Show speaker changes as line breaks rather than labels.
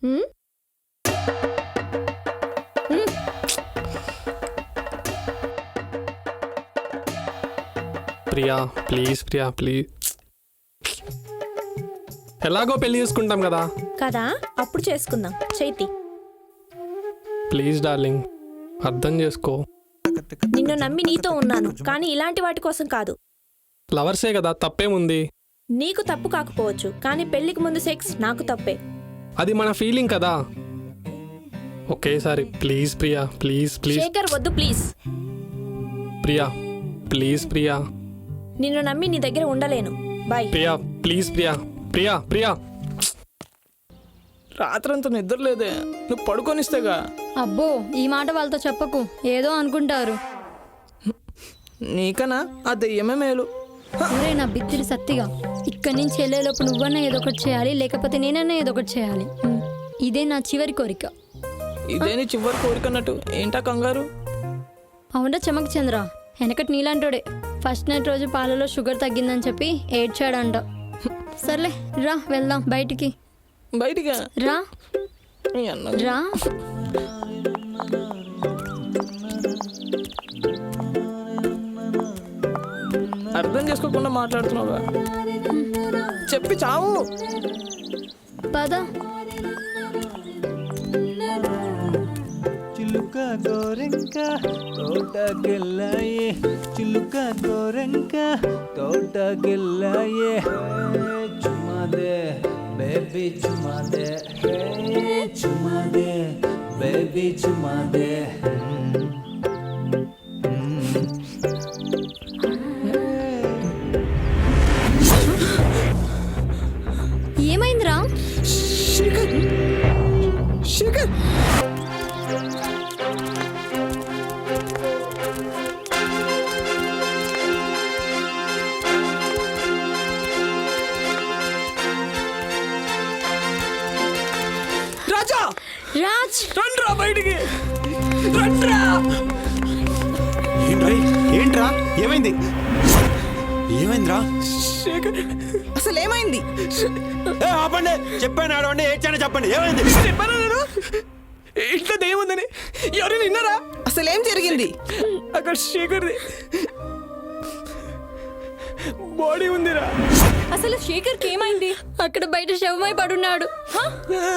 హ్మ్? హ్మ్.
Priya please, Priya please. ఎలాగో పెళ్లి చేసుకుంటాం కదా.
కదా అప్పుడు చేసుకుందాం. చైతి,
ప్లీజ్ డార్లింగ్, అర్థం చేసుకో.
నిన్ను నమ్మి నీతో ఉన్నాను, కానీ ఇలాంటి వాటి కోసం కాదు.
లవర్సే కదా, తప్పేముంది.
నీకు తప్పు కాకపోవచ్చు, కానీ పెళ్లికి ముందు సెక్స్ నాకు తప్పే.
అది మన ఫీలింగ్ కదా. ఒకేసారి please Priya, please please.
Shekhar వద్దు ప్లీజ్.
ప్రియా ప్లీజ్, ప్రియా
నిన్ను నమ్మి నీ దగ్గర ఉండలేను. బాయ్.
ప్రియా ప్లీజ్, ప్రియా ప్రియా ప్రియా.
రాత్రంతా నిద్ర లేదే, నువ్వు పడుకొనిస్తేగా.
అబ్బో ఈ మాట వాళ్ళతో చెప్పకు, ఏదో అనుకుంటారు.
నీకనా ఆ దెయ్యమే మేలు.
ఒరే నా బిత్తిరి సత్తిగా, ఇక్కడి నుంచి వెళ్ళేలోపు నువ్వన్నా ఏదో ఒకటి చేయాలి, లేకపోతే నేనన్నా ఏదో ఒకటి చేయాలి. ఇదే నా చివరి కోరిక.
ఇదే నీ చివరి కోరికన్నట్టు ఏంటా కంగారు?
అవునా చెమక్ చంద్ర, వెనకటి నీలాంటోడే ఫస్ట్ నైట్ రోజు పాలలో షుగర్ తగ్గిందని చెప్పి ఏడ్చాడంట. సర్లే రా వెళ్దాం బయటికి.
బయటిగా
రా
ఈ అన్న
రా.
అర్థం చేసుకోకుండా మాట్లాడుతున్నావుగా, చెప్పి చావు.
పద.
చిలుక గోరెంక తోటకెళ్ళాయే, చిలుక గోరెంక తోటకెళ్ళాయే. చుమాదే బేబీ చుమాదే, చుమాదే బేబీ చుమాదే.
ఏమైందిరా?
శేఖర్, శేఖర్ రాజా,
రాజ్
రండ్రా బయటికి, రండ్రా.
ఏంట్రా ఏమైంది? ఏమైందిరా?
శేఖర్ అసలు ఏమైంది?
ఆపండి, చెప్పాను ఆడవండి, ఏడ్చాను చెప్పండి, ఏమైంది?
చెప్పాను నేను ఇంట్లో దెయ్యముందని. ఎవరైనా విన్నారా? అసలు ఏం జరిగింది? అక్కడ శేఖర్ది బాడీ ఉందిరా.
అసలు శేఖర్కి ఏమైంది?
అక్కడ బయట శవమై పడున్నాడు.